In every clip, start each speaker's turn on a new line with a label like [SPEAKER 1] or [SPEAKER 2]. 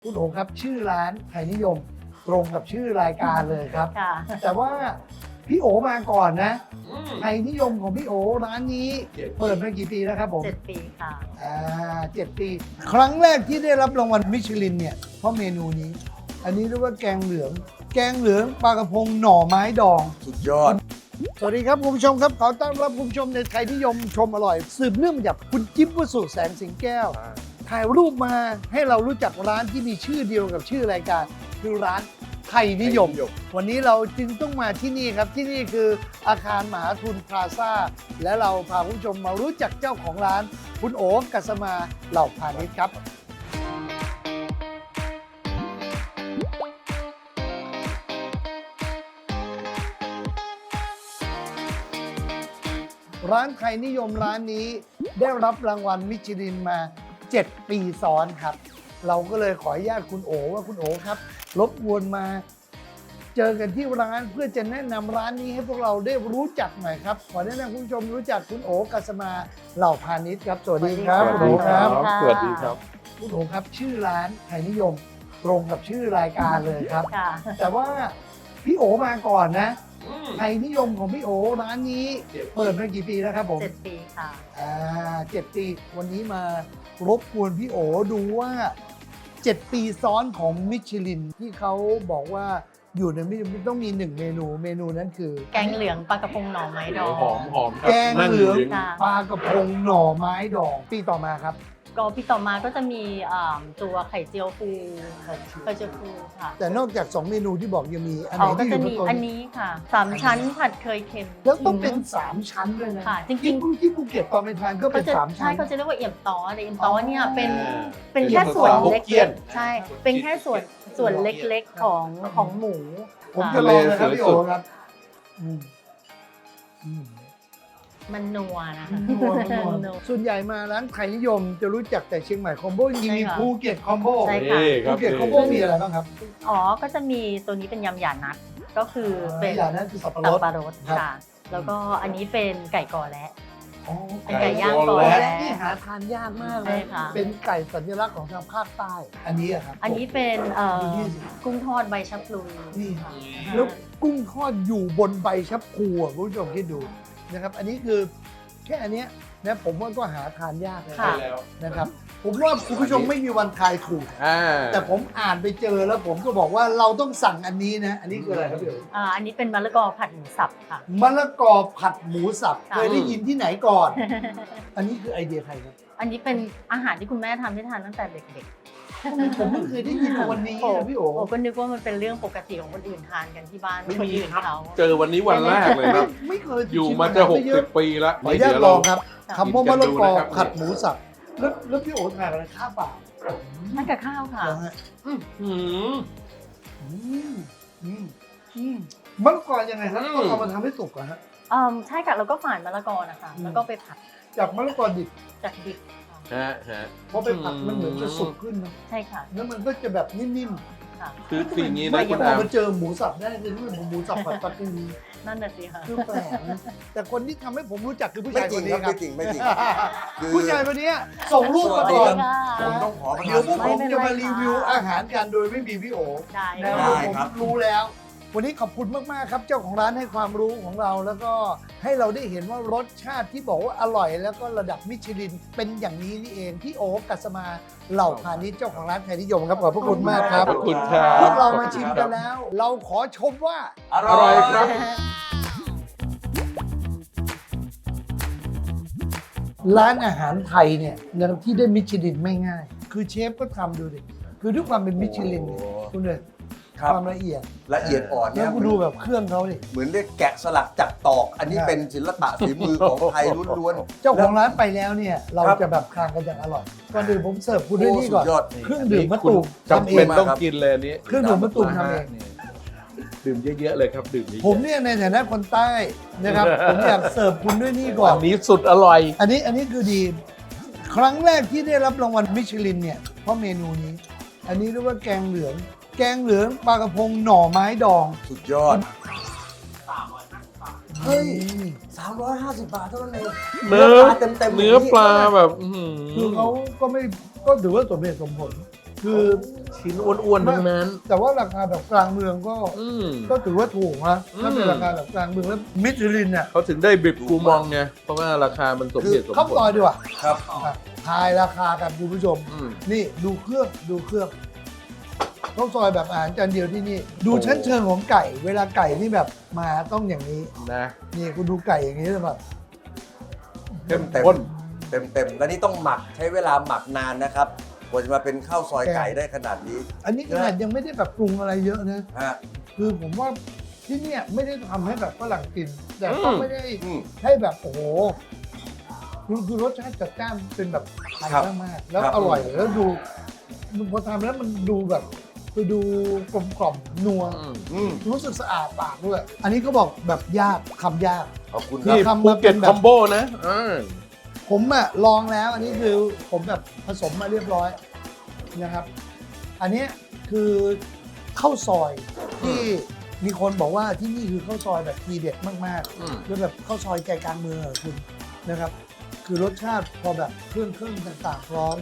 [SPEAKER 1] คุณโอ๋ครับชื่อร้านไทยนิยมตรงกับชื่อรายการเลยครับ แต่ว่าพี่โอ๋มาก่อนนะไทยนิยมของพี่โอ๋ร้านนี้เปิดมากี่ปีแล้วครับผม
[SPEAKER 2] 7 ปีค่ะ
[SPEAKER 1] 7 ปี ครั้งแรกที่ได้รับรางวัลมิชลินเนี่ยเพราะเมนูนี้ อันนี้เรียกว่าแกงเหลืองปลากระพงหน่อไม้ดอง
[SPEAKER 3] สุดยอด
[SPEAKER 1] สวัสดีครับคุณผู้ชมครับขอต้อนรับคุณผู้ชมในไทยนิยมชมอร่อย สืบเนื่องมาจากคุณจิ๊บวสุแสงสิงแก้ว ถ่ายรูปมาให้เรารู้จักร้านที่มีชื่อเดียวกับชื่อรายการคือร้านไทยนิยม วันนี้เราจึงต้องมาที่นี่ครับที่นี่คืออาคารมหาทุนพลาซ่าและเราพาคุณผู้ชมมารู้จักเจ้าของร้านคุณโอ๋กัสมาเหล่าพาณิชย์ครับร้านไทยนิยมร้านนี้ได้รับรางวัลมิชลินมา7 ปีซ้อนครับเราก็เลยขออนุญาตคุณโอ๋ว่าคุณโอ๋ครับรบกวนมาเจอกันที่ร้านเพื่อจะแนะนำร้านนี้ให้พวกเราได้รู้จักหน่อยครับขอแนะนำคุณผู้ชมรู้จักคุณโอ๋กัสมาเหล่าพาณิชย์ครับสวัสดีครับคุณโอ๋ครับ
[SPEAKER 3] สวัสดีครับ
[SPEAKER 1] คุณโอ๋ครับชื่อร้านไทยนิยมตรงกับชื่อรายการเลยครับ แต่ว่าพี่โอ๋มาก่อนนะไทยนิยมของพี่โอ๋ร้านนี้เปิดมากี่ปีแล้วครับผม
[SPEAKER 2] 7 ปีค่ะ
[SPEAKER 1] 7 ปีวันนี้มารบกวนพี่โอ๋ดูว่า 7 ปีซ้อนของมิชลินที่เขาบอกว่าอยู่ในมิชลินต้องมี1เมนูนั้นคือ
[SPEAKER 2] แกงเหลืองปลากระพงหน่อไม้ดอง
[SPEAKER 3] หอมครับ
[SPEAKER 1] แกงเหลือง
[SPEAKER 2] ค่ะ
[SPEAKER 1] ปลากระพงหน่อไม้ดองปีต่อมาครับ
[SPEAKER 2] ก็พี่ต่อมาก็จะมีตัวไข่เจียวฟูไข่เจียวฟูค่ะ
[SPEAKER 1] แต่นอกจาก 2 เมนูที่บอกยังมีอันไหน
[SPEAKER 2] ก็
[SPEAKER 1] ที่อ
[SPEAKER 2] จะ
[SPEAKER 1] ยู่บ
[SPEAKER 2] มี
[SPEAKER 1] นโต๊ะ
[SPEAKER 2] อันนี้ค่ะ3 ชั้นผัดเคยเค็ม
[SPEAKER 1] แล้วต้องเป็น 3 ชั้นด้วยนะ
[SPEAKER 2] ค่ะจริงๆ
[SPEAKER 1] ที่ภูเก็ตตอนไปทานก็
[SPEAKER 2] เขา
[SPEAKER 1] เป็น
[SPEAKER 2] จะ
[SPEAKER 1] 3
[SPEAKER 2] ใช่
[SPEAKER 1] ชั้น
[SPEAKER 2] เขาจะเรียกว่าเอี่ยมต้อแต่เอี่ยมต้อเนี่ย
[SPEAKER 1] อ๋อ
[SPEAKER 2] เป็นแค่ส่วน
[SPEAKER 3] เอี่ยมต้อ
[SPEAKER 2] เล็
[SPEAKER 3] ฮกเกี้ย
[SPEAKER 2] ก
[SPEAKER 3] น
[SPEAKER 2] ๆใช่เป็นแค่ส่วนเล็กๆของหมู
[SPEAKER 1] ผมจะลองนะครับพี่โอ๋ครับอืมอืม
[SPEAKER 2] มันนัวนะคะ
[SPEAKER 1] นัวส่วนใหญ่มาร้านไทยนิยมจะรู้จักแต่เชียงใหม่คอมโบจริงๆมี
[SPEAKER 2] ใช่ค่ะ
[SPEAKER 1] ภูเก็ตคอมโบ
[SPEAKER 2] ใช่ค่ะ
[SPEAKER 3] นี่ค
[SPEAKER 1] ภู
[SPEAKER 3] รับ
[SPEAKER 1] เก็ตคอมโบมีอะไรบ้างครับ
[SPEAKER 2] ก็จะมีตัวนี้เป็นยำหยานัทก็คือเป็น
[SPEAKER 1] อย่างนั้นคือสับปะร
[SPEAKER 2] ตับ
[SPEAKER 1] ด
[SPEAKER 2] ปลารส
[SPEAKER 1] ครับ
[SPEAKER 2] ค่ะ แล้วก็อันนี้เป็นไก่กอและ
[SPEAKER 1] อ๋อ
[SPEAKER 2] เป็นไก่ย่าง
[SPEAKER 3] ไก่
[SPEAKER 2] กอ
[SPEAKER 3] และ
[SPEAKER 2] และ
[SPEAKER 1] นี่หาทานยากมากเล
[SPEAKER 2] ใช่
[SPEAKER 1] ย
[SPEAKER 2] ค่ะ
[SPEAKER 1] เป็นไก่สัญลักษณ์ของทางภาคใต้ อันนี้อะครับ
[SPEAKER 2] อันนี้เป็น
[SPEAKER 1] ดูนี่สิ
[SPEAKER 2] กุ้งทอดใบชะพลู
[SPEAKER 1] นี่
[SPEAKER 2] ค่ะ
[SPEAKER 1] แล้วกุ้งทอดอยู่บนใบชับพลูอะคุณผู้ชมคิดดูนะครับ อันนี้คือแค่อันเนี้ยนะผมว่าก็หาทานยากเลย
[SPEAKER 2] ค่ะ
[SPEAKER 1] นะครับ ผมว่าคุณผู้ชมไม่มีวันทายถูก
[SPEAKER 3] อ่า
[SPEAKER 1] แต่ผมอ่านไปเจอแล้วผมก็บอกว่าเราต้องสั่งอันนี้นะ อันนี้คืออะไรครับพี่โอ๋
[SPEAKER 2] อันนี้เป็นมะละกอผัดหมูสับค่ะ
[SPEAKER 1] มะละกอผัดหมูสับ
[SPEAKER 2] ค่ะ
[SPEAKER 1] เคยได้ยินที่ไหนก่อน อันนี้คือไอเดียใครครับ
[SPEAKER 2] อันนี้เป็นอาหารที่คุณแม่ทำให้ทานตั้งแต่เด็ก
[SPEAKER 1] ผมเพิ่งเคยได้ยินวันนี้
[SPEAKER 2] ๆโอ้
[SPEAKER 1] นะพี่โอ๋
[SPEAKER 2] โอ้ก็นึกว่ามันเป็นเรื่องปกติของคนอื่นทานกันที่บ้านคนอื่นเขา
[SPEAKER 3] เจอวันนี้วันแรกเลยครับ
[SPEAKER 1] ไม่เคย
[SPEAKER 3] อยู่มาจะ
[SPEAKER 1] ชิเย
[SPEAKER 3] 60 ปีแล้ว
[SPEAKER 1] ขออนุญาตลองครับคำว่ามะละกอ
[SPEAKER 3] กินกันดูนะครับ
[SPEAKER 1] ผัดหมูสับแล้วพี่โอ๋ทานอะไรข้าวเปล่า
[SPEAKER 2] ทานกับข้าวค่ะ
[SPEAKER 1] เหรอฮะ
[SPEAKER 3] อืม
[SPEAKER 1] อืมอืมมะละกอยังไงครับต้องเอามาทำให้สุกเหรอฮะ
[SPEAKER 2] ใช่ค่ะแล้วก็ฝานมะละกอนะคะ แล้วก็ไปผัด
[SPEAKER 1] จากมะละกอดิบ
[SPEAKER 2] จากดิบค่ะ
[SPEAKER 3] ฮะฮะ
[SPEAKER 1] พอไปผัดมันเหมือนจะสุกขึ้นนะ
[SPEAKER 2] ใช่ค่ะ
[SPEAKER 1] แล้วมันก็จะแบบนิ่ม
[SPEAKER 2] ค่ะ
[SPEAKER 3] คือสิ่งนี้
[SPEAKER 1] ๆ
[SPEAKER 3] นะ
[SPEAKER 1] ไม่
[SPEAKER 3] คุณ
[SPEAKER 1] พอ
[SPEAKER 3] อาม
[SPEAKER 1] มาเจอหมูสับได้คือนี่มันหมูสับผัดปลาทู
[SPEAKER 2] นั่นน่ะสิค่ะ
[SPEAKER 1] คือแปลกนะแต่คนที่ทำให้ผมรู้จักคือผู้
[SPEAKER 4] ไม่
[SPEAKER 1] ชาย
[SPEAKER 4] จ
[SPEAKER 1] ค
[SPEAKER 4] ริง
[SPEAKER 1] นนี้
[SPEAKER 4] ครับ
[SPEAKER 1] ครั
[SPEAKER 4] ไม่
[SPEAKER 1] บ
[SPEAKER 4] จริงไม่จริงคือ
[SPEAKER 1] ผู้ชายคนนี้ส่งรูปมา
[SPEAKER 4] ส
[SPEAKER 1] ก่
[SPEAKER 4] วั
[SPEAKER 1] อ
[SPEAKER 4] ส
[SPEAKER 1] น
[SPEAKER 4] ดี
[SPEAKER 2] ค่ะ
[SPEAKER 4] ผมต้องขอประ
[SPEAKER 1] เดี๋ยวพวก
[SPEAKER 4] ทาน
[SPEAKER 1] ผมจะมารีวิวอาหารกันโดยไม่มีพี่โอ
[SPEAKER 2] ได้
[SPEAKER 1] นะ
[SPEAKER 2] ค่ะ
[SPEAKER 1] ผม
[SPEAKER 4] ครับ
[SPEAKER 1] รู้แล้ว วันนี้ขอบคุณมากๆครับเจ้าของร้านให้ความรู้ของเรา แล้วก็ให้เราได้เห็นว่ารสชาติที่บอกว่าอร่อย แล้วก็ระดับมิชลินเป็นอย่างนี้นี่เองพี่โอกัสมาเหล่าพาณิชย์เจ้าของร้านไทยนิยมครับขอบพระคุณมากครับ
[SPEAKER 3] ขอบคุณครับ
[SPEAKER 1] พวกเรามาชิมกันแล้ว เราขอชมว่า
[SPEAKER 4] อ
[SPEAKER 3] อร่อยครับ
[SPEAKER 1] ร้านอาหารไทยเนี่ยที่ได้มิชลินไม่ง่าย คือเชฟก็ทำดูดิคือด้วยความเป็นมิชลินเนี่ย
[SPEAKER 4] โอ้
[SPEAKER 1] คุณเลย
[SPEAKER 4] ครับ
[SPEAKER 1] ความละเอียด
[SPEAKER 4] ละเอียดอ่อน
[SPEAKER 1] แล้
[SPEAKER 4] เนี่
[SPEAKER 1] วย คุณดูแบบเครื่องเขาดิ
[SPEAKER 4] เหมือนเรียกแกะสลักจากตอก อันนี้เป็นศิลปะฝีมือของไทยล้วน
[SPEAKER 1] เจ้าของร้านไปแล้วเนี่ย เรา
[SPEAKER 4] ครับ
[SPEAKER 1] จะแบบคางกันอย่างอร่อยก่อนอื่นผมเสิร์ฟคุณ
[SPEAKER 4] ๆ
[SPEAKER 1] ด้วย
[SPEAKER 4] โอ้
[SPEAKER 1] นี่
[SPEAKER 4] สุ
[SPEAKER 1] ก่อ
[SPEAKER 4] ด
[SPEAKER 1] น
[SPEAKER 4] ยอด
[SPEAKER 1] เครื่องดื่มมะตูม
[SPEAKER 3] จำเป็นต้อง
[SPEAKER 4] ครับ
[SPEAKER 3] กินเลยอันนี้
[SPEAKER 1] เครื่องดื่มมะตูมทำเอง
[SPEAKER 3] นี่ดื่มเยอะๆเลยครับดื่มเยอะๆ
[SPEAKER 1] ผมเนี่ยในฐานะคนใต้นะครับ ผมอยากเสิร์ฟคุณด้วยนี่ก่อน
[SPEAKER 3] อันนี้สุดอร่อย
[SPEAKER 1] อันนี้คือดี ครั้งแรกที่ได้รับรางวัลมิชลินเนี่ยเพราะเมนูนี้ อันนี้เรียกว่าแกงเหลืองปลากระพงหน่อไม้ดอง
[SPEAKER 4] สุดยอด เฮ้ย 350 บาทเท่านั้นเอง
[SPEAKER 3] เนื้อ
[SPEAKER 4] เต็มๆ
[SPEAKER 3] เนื้อปลาแบบอื้อหือ
[SPEAKER 1] คือเขาก็ไม่ก็ถือว่าสมเหตุสมผลคือ
[SPEAKER 3] ชิ้นอ้วนๆทั้งนั้น
[SPEAKER 1] แต่ว่าราคาแบบกลางเมืองก็
[SPEAKER 3] อืม
[SPEAKER 1] ก็ถือว่าถูกนะถ้าเป็น
[SPEAKER 3] อืม
[SPEAKER 1] ราคาแบบกลางเมืองแล้วมิชลินเนี่ย
[SPEAKER 3] เขาถึงได้บิบกูมองไง เพราะว่าราคามันสมเหตุสม
[SPEAKER 1] เข้า
[SPEAKER 3] ผ
[SPEAKER 1] ซอย
[SPEAKER 3] ล
[SPEAKER 1] ดีกว่า
[SPEAKER 4] ครับ
[SPEAKER 1] ทายราคากันคุณผู้ชม
[SPEAKER 3] อืม
[SPEAKER 1] นี่ดูเครื่องข้าวซอยแบบอาหารจานเดียวที่นี่ ดู
[SPEAKER 3] โอ้
[SPEAKER 1] ชั้นเชิงของไก่ เวลาไก่นี่แบบมาต้องอย่างนี้
[SPEAKER 3] นะ
[SPEAKER 1] นี่คุณดูไก่อย่างนี้เลยแบบ
[SPEAKER 3] เข้ม
[SPEAKER 4] เต็ม
[SPEAKER 3] ข้น
[SPEAKER 4] เต็มแล้วนี่ต้องหมักใช้เวลาหมักนานนะครับกว่าจะมาเป็นข้าวซอยไก่ได้ขนาดนี้
[SPEAKER 1] อันนี้ขนาดยังไม่ได้แบบปรุงอะไรเยอะนะ
[SPEAKER 4] ฮะ
[SPEAKER 1] คือผมว่าที่เนี่ยไม่ได้ทำให้แบบฝรั่งกิน แต่ก็ไม่ได้
[SPEAKER 4] อืม
[SPEAKER 1] ให้แบบโอ้โหคือรสชาติจัดจ้านเป็นแบบไทย
[SPEAKER 4] ครับ
[SPEAKER 1] มากๆแล้ว
[SPEAKER 4] ครับ
[SPEAKER 1] อร่อยแล้วดูพอทำแล้วมันดูแบบคือดูกลมกล่อมนัว
[SPEAKER 4] อืม
[SPEAKER 1] รู้สึกสะอาดปากด้วย อันนี้ก็บอกแบบยากคำยาก
[SPEAKER 4] ขอบคุณค
[SPEAKER 3] นี่
[SPEAKER 4] รับ
[SPEAKER 1] ทำ
[SPEAKER 3] ภู
[SPEAKER 1] มาเป็
[SPEAKER 3] เก็ต
[SPEAKER 1] นแบบ
[SPEAKER 3] คอมโบนะอ่า
[SPEAKER 1] ผมอะลองแล้ว อันนี้คือผมแบบผสมมาเรียบร้อยนะครับ อันเนี้ยคือข้าวซอยที่มีคนบอกว่าที่นี่คือข้าวซอยแบบทีเด็ดมาก
[SPEAKER 3] อืม
[SPEAKER 1] ๆแล้วแบบข้าวซอยใจกลางเมืองอะคุณนะครับ คือรสชาติพอแบบเครื่องต่างๆพร้อม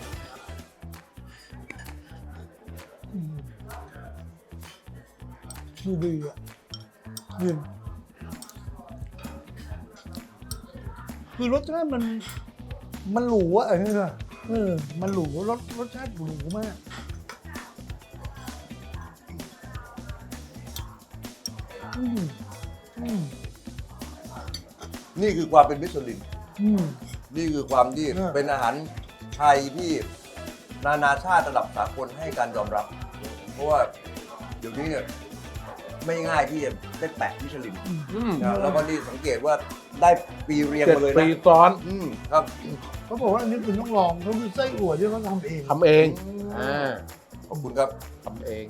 [SPEAKER 1] อืมดูดีอ่ะนี่คือรสชาติมันหรูอ่ะมันหรูรสชาติหรูมากอืมอืม
[SPEAKER 4] นี่คือความเป็นมิชลิน
[SPEAKER 1] อืม
[SPEAKER 4] นี่คือความที่
[SPEAKER 1] เออ
[SPEAKER 4] เป็นอาหารไทยที่นานาชาติระดับสากลให้การยอมรับ เพราะว่าเดี๋ยวนี้เนี่ยไม่ง่ายที่จะได้แปะมิชลิน
[SPEAKER 3] อืม
[SPEAKER 4] นะแล้วก็นี่สังเกตว่าได้ปีเรียง
[SPEAKER 3] 7
[SPEAKER 4] มาเลย
[SPEAKER 3] ปี
[SPEAKER 4] นะ
[SPEAKER 3] ซ้อน
[SPEAKER 4] ครับ
[SPEAKER 1] เขาบอกว่าอันนี้คุณต้องลองเขาคือไส้อั่วที่เขาทำเอง
[SPEAKER 3] ทำเองอ่า
[SPEAKER 4] ขอบคุณครับ
[SPEAKER 3] ทำเอง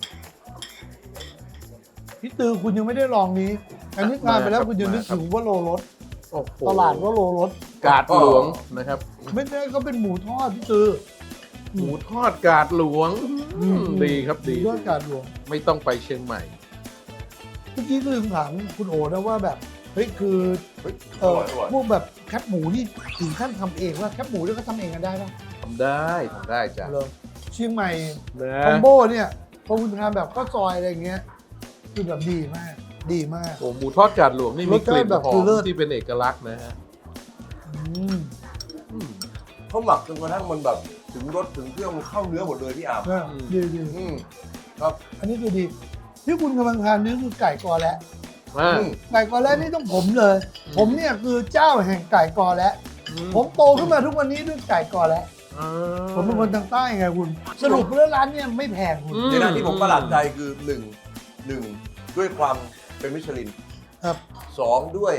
[SPEAKER 1] พี่ตือคุณยังไม่ได้ลองนี้ อันนี้ทานไปแล้วคุณยังนึกถึงว่าโลรส
[SPEAKER 3] โอ้โห
[SPEAKER 1] ตลาดว่าโลรส
[SPEAKER 3] กาดหลวงนะครับ
[SPEAKER 1] ไม่ใช่เขาเป็นหมูทอดพี่ตือ
[SPEAKER 3] หมูทอดกาดหลวงดีครับดี
[SPEAKER 1] หมูทอดกาดหลวง
[SPEAKER 3] ไม่ต้องไปเชียงใหม่
[SPEAKER 1] เมื่อกี้ลืมถามคุณโอนะว่าแบบเฮ้ยคือ
[SPEAKER 4] เฮ้ย
[SPEAKER 1] เอ
[SPEAKER 4] อ
[SPEAKER 1] อ
[SPEAKER 4] ร่อยอร่อย
[SPEAKER 1] พวกแบบแคปหมูนี่ถึงขั้นทำเองว่าแคปหมูนี่เขาทำเองกันได้ปะ
[SPEAKER 3] ทำได้จ้ะ
[SPEAKER 1] เลยเชียงใหม่
[SPEAKER 3] นะ
[SPEAKER 1] คอมโบเนี่ยพอคุณทานแบบข้าวซอยอะไรอย่างเงี้ยคือแบบดีมากดีมาก
[SPEAKER 3] โอ้หมูทอดกาดหลวงนี่มีกลิ่น
[SPEAKER 1] รสชาติแบบ
[SPEAKER 3] หอ
[SPEAKER 1] คือ
[SPEAKER 3] ม
[SPEAKER 1] เลิศ
[SPEAKER 3] ที่เป็นเอกลักษณ์นะฮะ
[SPEAKER 1] อืม
[SPEAKER 3] อืม
[SPEAKER 4] เขาหมักจนกระทั่งมันแบบถึงรสถึงเครื่องมันเข้าเนื้อหมดเลยพี่อาบ
[SPEAKER 1] เนี่ยดีดี
[SPEAKER 4] ครับ
[SPEAKER 1] อันนี้คือดี ที่คุณกำลังทานนี่คือไก่กอและ
[SPEAKER 3] อ่า
[SPEAKER 4] อืม
[SPEAKER 1] ไก่กอและนี่ต้องผมเลย ผมเนี่ยคือเจ้าแห่งไก่กอและผมโตขึ้นมาทุกวันนี้ด้วยไก่กอและ
[SPEAKER 3] อ่า
[SPEAKER 1] ผมเป็นคนทางใต้ไงคุณ สรุปแล้วร้านเนี่ยไม่แพงคุณ
[SPEAKER 3] อืม
[SPEAKER 4] ในด้านที่ผมประหลาดใจคือหนึ่งด้วยความเป็นมิชลิน
[SPEAKER 1] ครับ
[SPEAKER 4] สองด้วย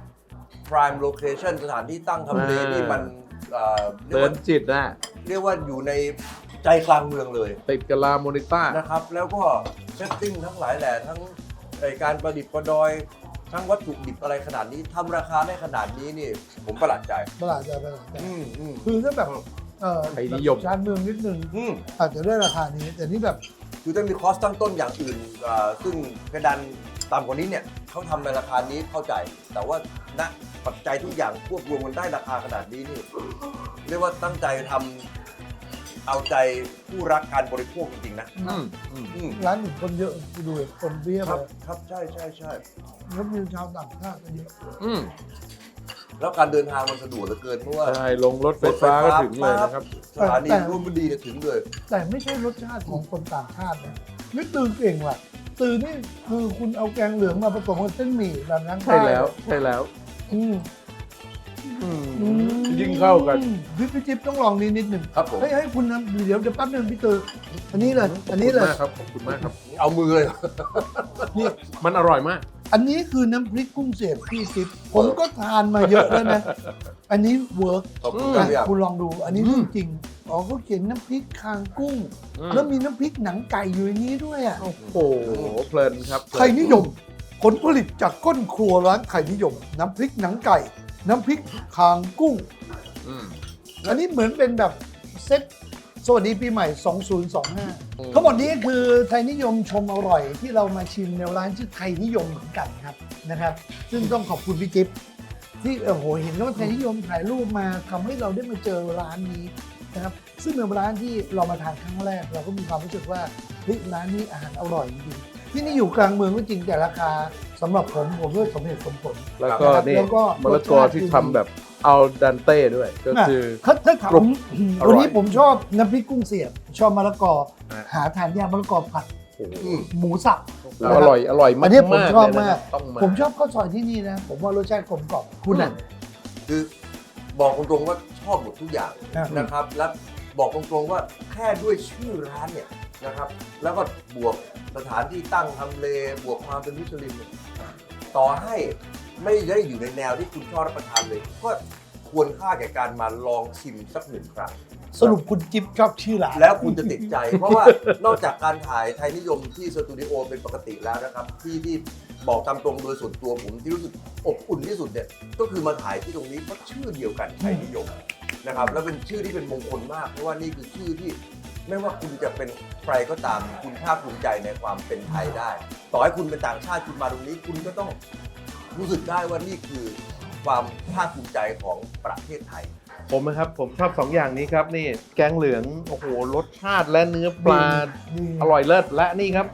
[SPEAKER 4] prime location สถานที่ตั้งทำเลที่มันเรีย
[SPEAKER 3] เดิ
[SPEAKER 4] ก
[SPEAKER 3] น
[SPEAKER 4] ว่า
[SPEAKER 3] จิตนะ
[SPEAKER 4] เรียกว่าอยู่ในใจกลางเมืองเลย
[SPEAKER 3] ติดกับลาโมนิต้า
[SPEAKER 4] นะครับ แล้วก็เซตติ้งทั้งหลายแหล่ทั้งการประดิษฐ์ประดอย ทั้งวัตถุดิบอะไรขนาดนี้ทำราคาได้ขนาดนี้นี่ผมประหลาดใจ
[SPEAKER 1] ประหลาดใจ
[SPEAKER 4] อืม
[SPEAKER 1] คือถ้าแบบ
[SPEAKER 3] ไทยนิยม
[SPEAKER 1] ชานเมืองนิดนึง
[SPEAKER 4] อืม
[SPEAKER 1] อาจจะได้ราคานี้ แต่นี่แบบ
[SPEAKER 4] คือถ้ามีคอสตั้งต้นอย่างอื่นซึ่งเพดานต่ำกว่านี้เนี่ยเขาทำในราคานี้เข้าใจ แต่ว่าณปัจจัยทุกอย่างควบรวมกันได้ราคาขนาดนี้นี่เรียกว่าตั้งใจทำเอาใจผู้รักการบริโภคจริงๆนะ
[SPEAKER 3] อืมอืม
[SPEAKER 4] อืม
[SPEAKER 1] ร้านหนึ่งคนเยอะคุณดูคนเบี้ย
[SPEAKER 4] ค
[SPEAKER 1] เล
[SPEAKER 4] รับ
[SPEAKER 1] ย
[SPEAKER 4] ครับใช่ใช่ใช่
[SPEAKER 1] แล้วมีชาวต่างชาติก็เยอะ
[SPEAKER 3] อืม
[SPEAKER 4] แล้วการเดินทางมันสะดวกเหลือเกินเพราะว่า
[SPEAKER 3] ใช่ลงรถไฟฟ้าก็ถึงเลยนะครับ
[SPEAKER 4] สถานีร่วมบุรีเนี่ยถึงเลย
[SPEAKER 1] แต่ไม่ใช่รสชาติของคนต่างชาตินะนี่ตือเก่งว่ะตือนี่คือคุณเอาแกงเหลืองมาผสมกับเส้นหมี่แบบนั้น
[SPEAKER 3] ใช่แล้วใช่แล้ว
[SPEAKER 1] อืม
[SPEAKER 3] อืมยิ่งเข้ากัน
[SPEAKER 1] พี่จิ๊บต้องลองนิดหนึ่ง
[SPEAKER 4] ครับผม
[SPEAKER 1] ให้คุณนะเดี๋ยวแป๊บนึงพี่ตืออันนี้เลย อันนี้เลย
[SPEAKER 3] ขอบคุณมากครับ
[SPEAKER 4] เอามือเลย
[SPEAKER 1] นี่
[SPEAKER 3] มันอร่อยมาก
[SPEAKER 1] อันนี้คือน้ำพริกกุ้งเสียบพี่จิ๊บผมก็ทานมาเยอะแล้วนะ อันนี้เวิร์ก
[SPEAKER 4] ขอบคุณครับพี่อาบ
[SPEAKER 1] คุณลองดู อันนี้เรื่องจริงอ๋อเขาเขียนน้ำพริกคางกุ้ง แล้วมีน้ำพริกหนังไก่อยู่ในนี้ด้วยอ่ะ
[SPEAKER 3] โอ้โหเพลินครับ
[SPEAKER 1] ไทยนิยม ผลผลิตจากก้นครัวร้านไทยนิยม น้ำพริกหนังไก่ น้ำพริกคางกุ้ง
[SPEAKER 3] อืม
[SPEAKER 1] อันนี้เหมือนเป็นแบบเซ็ตสวัสดีปีใหม่ 2025 ทั้งหมดนี้คือไทยนิยมชมอร่อยที่เรามาชิมในร้านชื่อไทยนิยมเหมือนกันครับนะครับ ซึ่งต้องขอบคุณพี่จิ๊บที่โอ้โหเห็นว่าไทยนิยมถ่ายรูปมาทำให้เราได้มาเจอร้านนี้นะครับซึ่งเป็นร้านที่เรามาทานครั้งแรกเราก็มีความรู้สึกว่าเฮ้ยร้านนี้อาหารอร่อยจริงๆที่นี่อยู่กลางเมืองก็จริงแต่ราคาสำหรับผมด้วยสมเหตุสมผล
[SPEAKER 3] แล้วก็
[SPEAKER 1] ครับ
[SPEAKER 3] นี่
[SPEAKER 1] แล้วก็
[SPEAKER 3] มะละกอที่ทำแบบเอาดันเต้ด้วย ก็คือ
[SPEAKER 1] ถ้าถาม
[SPEAKER 3] กรุบอร่อย
[SPEAKER 1] วันนี้ผมชอบน้ำพริกกุ้งเสียบชอบมะละกอ
[SPEAKER 3] อ่ะ
[SPEAKER 1] หาทานยากมะละกอผัด
[SPEAKER 3] โอ้โห
[SPEAKER 1] หมูสับ
[SPEAKER 3] อร่อยอร่อยมาก
[SPEAKER 1] อันนี้ผมชอบ
[SPEAKER 3] เลย
[SPEAKER 1] มา
[SPEAKER 3] นะ
[SPEAKER 1] ก
[SPEAKER 3] ต้องมา
[SPEAKER 1] ผมชอบข้าวซอยที่นี่นะ ผมว่ารสชาติกลมกล่อมคุณอ่ะ
[SPEAKER 4] คือบอกตรงๆว่าชอบหมดทุกอย่าง
[SPEAKER 1] อ่ะ
[SPEAKER 4] นะครับ และบอกตรงๆว่าแค่ด้วยชื่อร้านเนี่ยนะครับ แล้วก็บวกสถานที่ตั้งทำเลบวกความเป็นมิชลินเนี่ยต่อให้ไม่ได้อยู่ในแนวที่คุณชอบรับประทานเลย ก็ควรค่าแก่การมาลองชิมสักหนึ่งครั้ง
[SPEAKER 1] สรุปคุณจิ๊บชอบชื่อร้าน
[SPEAKER 4] แล้วคุณจะติดใจ เพราะว่านอกจากการถ่ายไทยนิยมที่สตูดิโอเป็นปกติแล้วนะครับ ที่บอกตามตรงโดยส่วนตัวผมที่รู้สึกอบอุ่นที่สุดเนี่ยก็คือมาถ่ายที่ตรงนี้เพราะชื่อเดียวกันไทยนิยมนะครับแล้วเป็นชื่อที่เป็นมงคลมากเพราะว่านี่คือชื่อที่ไม่ว่าคุณจะเป็นใครก็ตามคุณภาคภูมิใจในความเป็นไทยได้ ต่อให้คุณเป็นต่างชาติคุณมาตรงนี้คุณก็ต้องรู้สึกได้ว่านี่คือความภาคภูมิใจของประเทศไทย
[SPEAKER 3] ผมนะครับผมชอบ2อย่างนี้ครับนี่แกงเหลืองโอ้โหรสชาติและเนื้อปลา
[SPEAKER 1] ดี
[SPEAKER 3] อร่อยเลิศและนี่ครับ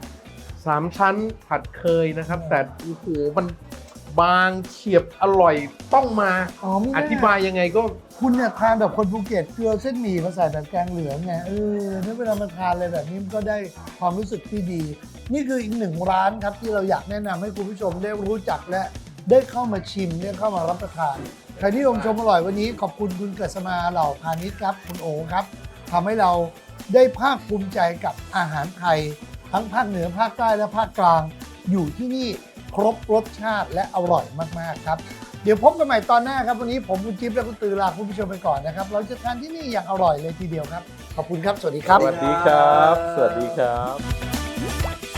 [SPEAKER 3] 3ชั้นผัดเคยนะครับ แต่โอ้โหมันบางเฉียบอร่อยต้องมา
[SPEAKER 1] ไม่
[SPEAKER 3] อ
[SPEAKER 1] น่
[SPEAKER 3] ธิบายยังไงก็
[SPEAKER 1] คุณเนี่ยทานแบบคนภูเก็ตเกลือเส้นหมี่มาใส่แบบแกงเหลืองไงถ้าเวลามาทานอะไรแบบนี้มันก็ได้ความรู้สึกที่ดี นี่คืออีกหนึ่งร้านครับที่เราอยากแนะนำให้คุณผู้ชมได้รู้จักและได้เข้ามาชิมได้เข้ามารับประทานใครที่ชมชมอร่อยวันนี้ขอบคุณคุณเกิษมาเหล่าพาณิชย์ครับคุณโอครับทำให้เราได้ภาคภูมิใจกับอาหารไทย ทั้งภาคเหนือภาคใต้และภาคกลาง อยู่ที่นี่ครบรสชาติและอร่อยมากๆครับ เดี๋ยวพบกันใหม่ตอนหน้าครับวันนี้ผมคุณจิ๊บและคุณตือลาคุณผู้ชมไปก่อนนะครับเราจะทานที่นี่อย่างอร่อยเลยทีเดียวครับขอบคุณครับสวัสดีครับ
[SPEAKER 3] สวัสดีครับ สวัสดีครับ